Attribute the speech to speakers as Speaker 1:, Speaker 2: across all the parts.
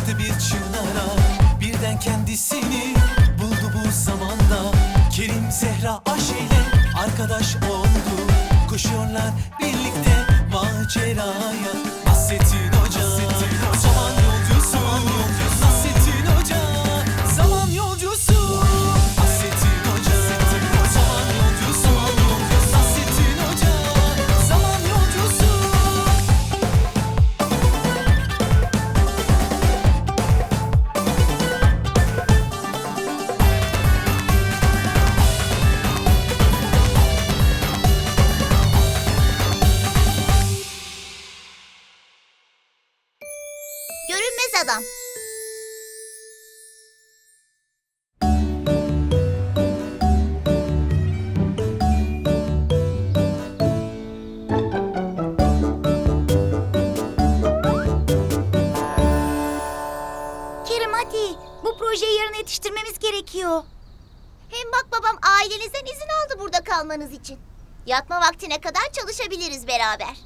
Speaker 1: Girdi bir çınara, birden kendisini buldu bu zamanda. Kerim Zehra Ayşe'yle arkadaş oldu. Koşuyorlar birlikte maceraya. Nasrettin Hoca, zaman yolcusu. Nasrettin Hoca, zaman yolcusu. Nasrettin Hoca, zaman yolcusu. Nasrettin Hoca, zaman yolcusu.
Speaker 2: Görünmez adam. Kerim hadi. Bu projeyi yarın yetiştirmemiz gerekiyor. Hem bak babam ailenizden izin aldı burada kalmanız için. Yatma vaktine kadar çalışabiliriz beraber.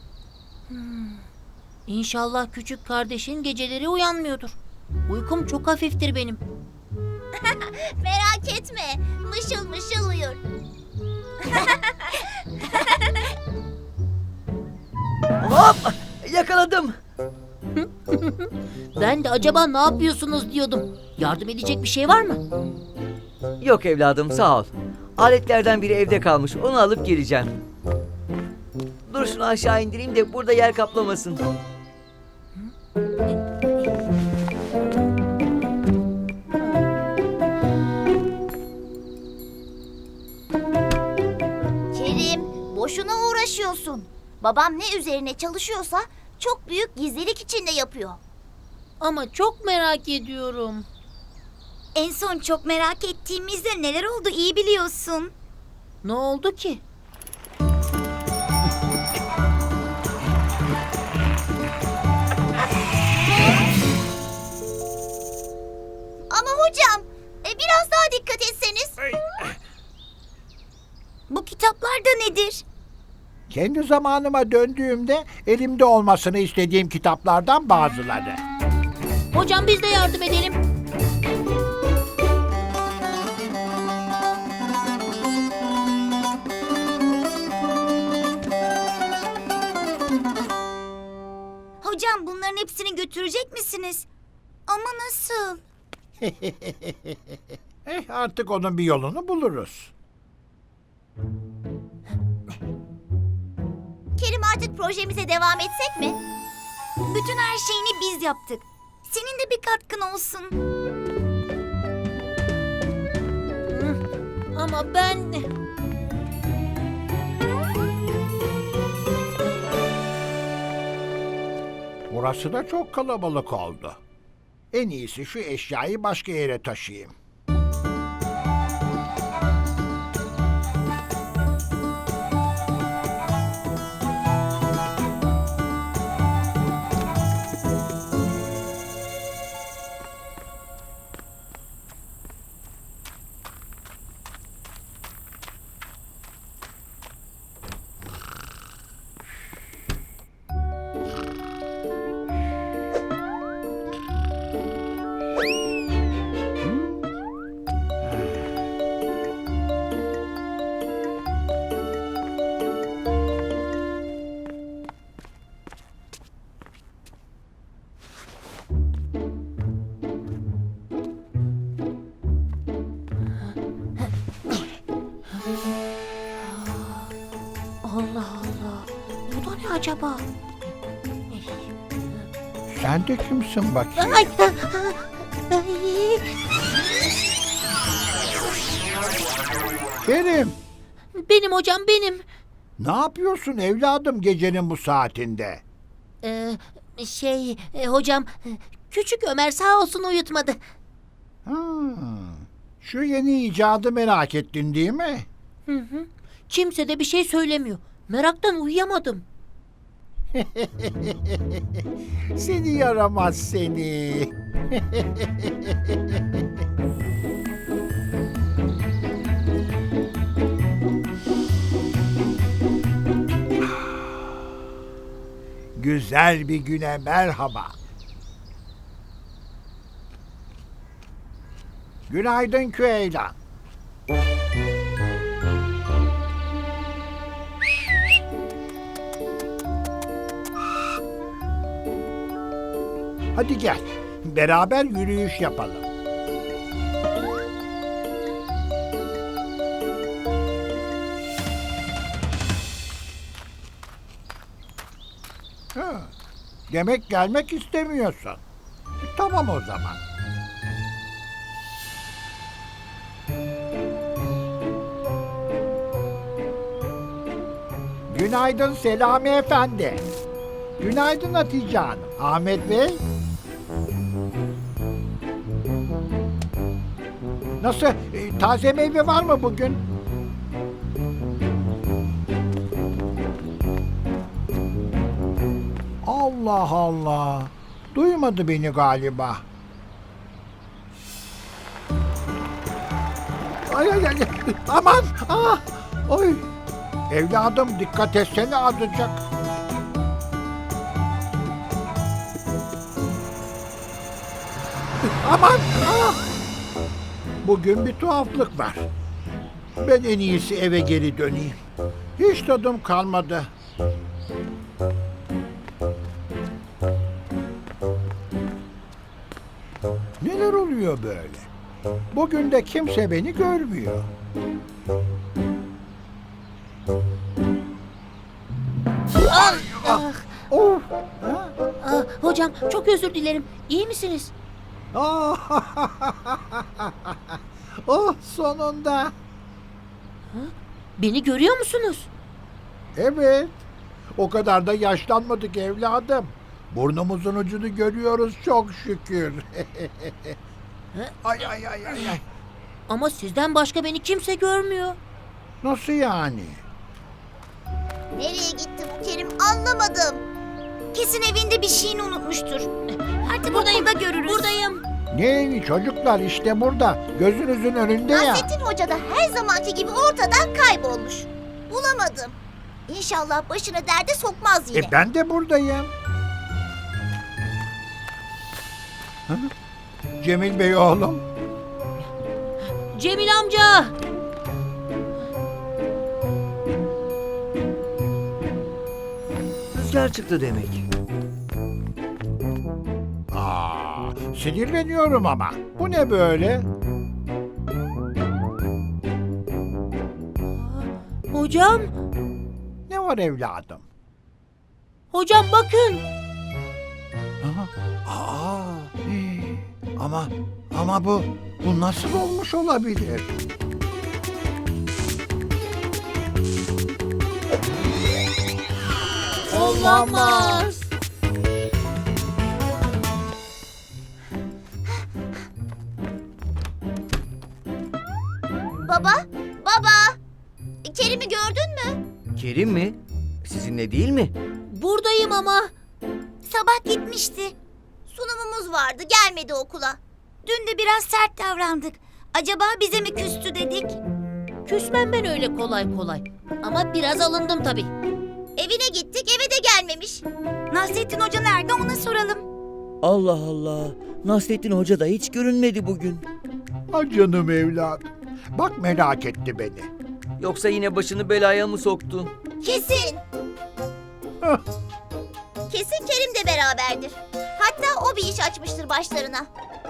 Speaker 3: İnşallah küçük kardeşin geceleri uyanmıyordur. Uykum çok hafiftir benim.
Speaker 2: Merak etme. Mışıl mışıl uyur.
Speaker 4: Hop! Yakaladım.
Speaker 3: Ben de acaba ne yapıyorsunuz diyordum. Yardım edecek bir şey var mı?
Speaker 4: Yok evladım, sağ ol. Aletlerden biri evde kalmış, onu alıp geleceğim. Dur şunu aşağı indireyim de burada yer kaplamasın.
Speaker 2: Kerim, boşuna uğraşıyorsun. Babam ne üzerine çalışıyorsa çok büyük gizlilik içinde yapıyor.
Speaker 3: Ama çok merak ediyorum.
Speaker 2: En son çok merak ettiğimizde neler oldu iyi biliyorsun.
Speaker 3: Ne oldu ki?
Speaker 2: Ama hocam, biraz daha dikkat etseniz. Bu kitaplar da nedir?
Speaker 5: Kendi zamanıma döndüğümde elimde olmasını istediğim kitaplardan bazıları.
Speaker 3: Hocam biz de yardım edelim.
Speaker 2: Hocam bunların hepsini götürecek misiniz? Ama nasıl?
Speaker 5: Artık onun bir yolunu buluruz.
Speaker 2: Kerim artık projemize devam etsek mi? Bütün her şeyini biz yaptık. Senin de bir katkın olsun.
Speaker 3: Ama ben...
Speaker 5: Burası da çok kalabalık oldu. En iyisi şu eşyayı başka yere taşıyayım.
Speaker 3: Allah Allah. Bu da ne acaba?
Speaker 5: Sen de kimsin bakayım?
Speaker 3: Ay.
Speaker 5: Kerim,
Speaker 3: Benim hocam benim.
Speaker 5: ne yapıyorsun evladım gecenin bu saatinde?
Speaker 3: Hocam küçük Ömer sağ olsun uyutmadı.
Speaker 5: Şu yeni icadı merak ettin değil mi?
Speaker 3: Kimse de bir şey söylemiyor. Meraktan uyuyamadım.
Speaker 5: Seni yaramaz seni. Güzel bir güne merhaba. Günaydın Küheylan. Hadi gel. Beraber yürüyüş yapalım. Ha, demek gelmek istemiyorsun. Tamam o zaman. Günaydın Selami Efendi. Günaydın Hatice Hanım. Ahmet Bey. Nasıl? Taze meyve var mı bugün? Allah Allah. Duymadı beni galiba. Ay ay ay. Aman. Ah. Oy. Evladım dikkat etsene azıcık. Aman. Ah. Bugün bir tuhaflık var. Ben en iyisi eve geri döneyim. Hiç tadım kalmadı. Neler oluyor böyle? Bugün de kimse beni görmüyor. Of! Ha?
Speaker 3: Hocam çok özür dilerim. İyi misiniz?
Speaker 5: Ah! Oh sonunda.
Speaker 3: Beni görüyor musunuz?
Speaker 5: Evet. O kadar da yaşlanmadık evladım. Burnumuzun ucunu görüyoruz çok şükür. Ay ay ay ay ay.
Speaker 3: Ama sizden başka beni kimse görmüyor.
Speaker 5: Nasıl yani?
Speaker 2: Nereye gitti bu Kerim anlamadım. Kesin evinde bir şeyini unutmuştur. Artık buradayım da görürüz.
Speaker 3: Buradayım.
Speaker 5: Ne evi çocuklar işte burada. Gözünüzün önünde ya.
Speaker 2: Nasrettin Hoca da her zamanki gibi ortadan kaybolmuş. Bulamadım. İnşallah başına derde sokmaz yine.
Speaker 5: Ben de buradayım. Ha? Cemil Bey oğlum.
Speaker 3: Cemil amca.
Speaker 4: Rüzgar çıktı demek.
Speaker 5: Sinirleniyorum ama. Bu ne böyle?
Speaker 3: Hocam.
Speaker 5: Ne var evladım?
Speaker 3: Hocam bakın.
Speaker 5: Ama bu nasıl olmuş olabilir?
Speaker 3: Olamaz.
Speaker 2: Baba, baba. Kerim'i gördün mü?
Speaker 4: Kerim mi? Sizinle değil mi?
Speaker 3: Buradayım ama.
Speaker 2: Sabah gitmişti. Sunumumuz vardı, gelmedi okula. Dün de biraz sert davrandık. Acaba bize mi küstü dedik?
Speaker 3: Küsmem ben öyle kolay kolay. Ama biraz alındım tabii.
Speaker 2: Evine gittik, eve de gelmemiş. Nasrettin Hoca nerede ona soralım.
Speaker 4: Allah Allah. Nasrettin Hoca da hiç görünmedi bugün.
Speaker 5: Ah canım evladım. Bak merak etti beni.
Speaker 4: Yoksa yine başını belaya mı soktu?
Speaker 2: Kesin.
Speaker 5: Hah.
Speaker 2: Kesin Kerim de beraberdir. Hatta o bir iş açmıştır başlarına.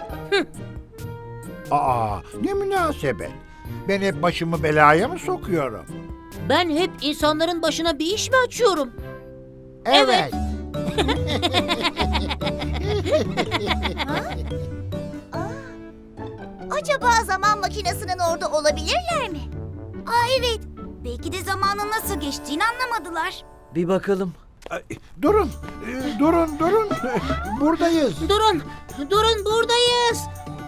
Speaker 5: Ne münasebet. Ben hep başımı belaya mı sokuyorum?
Speaker 3: Ben hep insanların başına bir iş mi açıyorum?
Speaker 5: Evet.
Speaker 2: Acaba zaman makinesinin orada olabilirler mi? Evet. Belki de zamanın nasıl geçtiğini anlamadılar.
Speaker 4: Bir bakalım.
Speaker 5: Durun. Durun. Buradayız.
Speaker 3: Durun buradayız.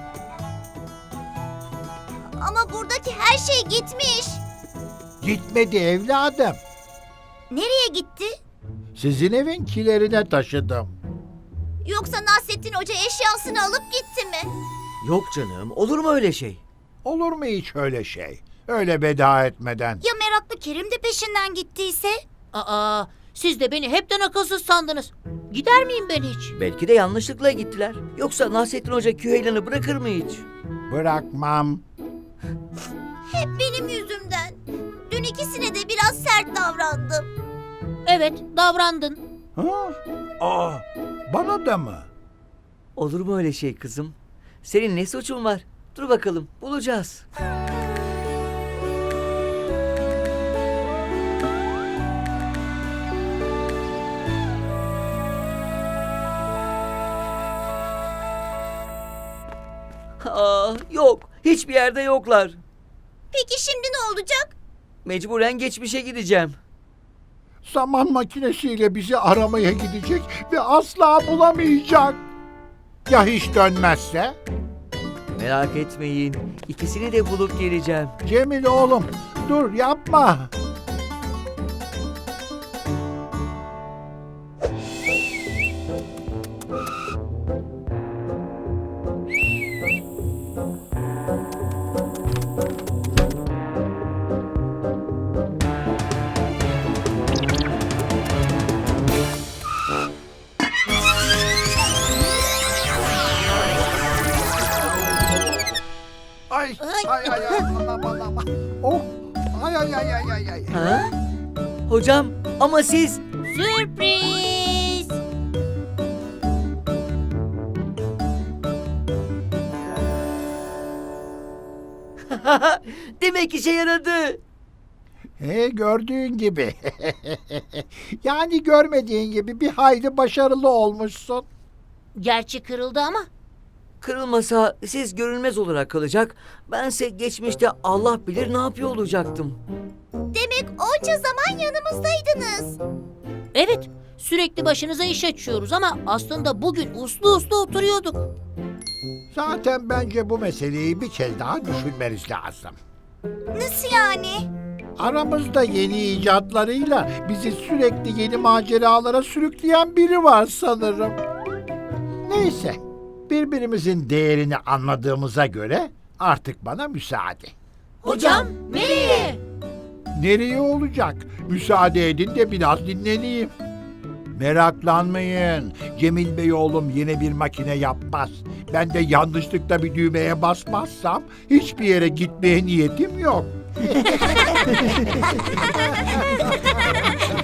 Speaker 2: Ama buradaki her şey gitmiş.
Speaker 5: Gitmedi evladım.
Speaker 2: Nereye gitti?
Speaker 5: Sizin evin kilerine taşıdım.
Speaker 2: Yoksa Nasrettin Hoca eşyasını alıp gitti mi?
Speaker 4: Yok canım. Olur mu öyle şey?
Speaker 5: Olur mu hiç öyle şey? Öyle veda etmeden.
Speaker 2: Ya meraklı Kerim de peşinden gittiyse?
Speaker 3: Aa, siz de beni hepten akılsız sandınız. Gider miyim ben hiç?
Speaker 4: Belki de yanlışlıkla gittiler. Yoksa Nasrettin Hoca Küheylan'ı bırakır mı hiç?
Speaker 5: Bırakmam.
Speaker 2: Hep benim yüzümden. Dün ikisine de biraz sert davrandım.
Speaker 3: Evet, davrandın.
Speaker 5: Ha? Aa, bana da mı?
Speaker 4: Olur mu öyle şey kızım? Senin ne suçun var? Dur bakalım, bulacağız. Yok. Hiçbir yerde yoklar.
Speaker 2: Peki şimdi ne olacak?
Speaker 4: Mecburen geçmişe gideceğim.
Speaker 5: Zaman makinesiyle bizi aramaya gidecek ve asla bulamayacak. Ya hiç dönmezse?
Speaker 4: Merak etmeyin. İkisini de bulup geleceğim.
Speaker 5: Cemil oğlum, dur yapma. Ay, ay, ay, ay, anam, anam. Oh, ay, ay, ay, ay, ay, ay.
Speaker 4: Ha? Hocam, ama siz...
Speaker 3: Sürpriz!
Speaker 4: Demek işe yaradı.
Speaker 5: Gördüğün gibi. Yani görmediğin gibi bir hayli başarılı olmuşsun.
Speaker 3: Gerçi kırıldı ama.
Speaker 4: Kırılmasa siz görünmez olarak kalacak. Bense geçmişte Allah bilir ne yapıyor olacaktım.
Speaker 2: Demek onca zaman yanımızdaydınız.
Speaker 3: Evet, sürekli başınıza iş açıyoruz ama aslında bugün uslu uslu oturuyorduk.
Speaker 5: Zaten bence bu meseleyi bir kez daha düşünmeniz lazım.
Speaker 2: Nasıl yani?
Speaker 5: Aramızda yeni icatlarıyla bizi sürekli yeni maceralara sürükleyen biri var sanırım. Neyse, birbirimizin değerini anladığımıza göre artık bana müsaade.
Speaker 3: Hocam, nereye?
Speaker 5: Nereye olacak? Müsaade edin de biraz dinleneyim. Meraklanmayın. Cemil Bey oğlum yine bir makine yapmaz. Ben de yanlışlıkla bir düğmeye basmazsam hiçbir yere gitmeye niyetim yok.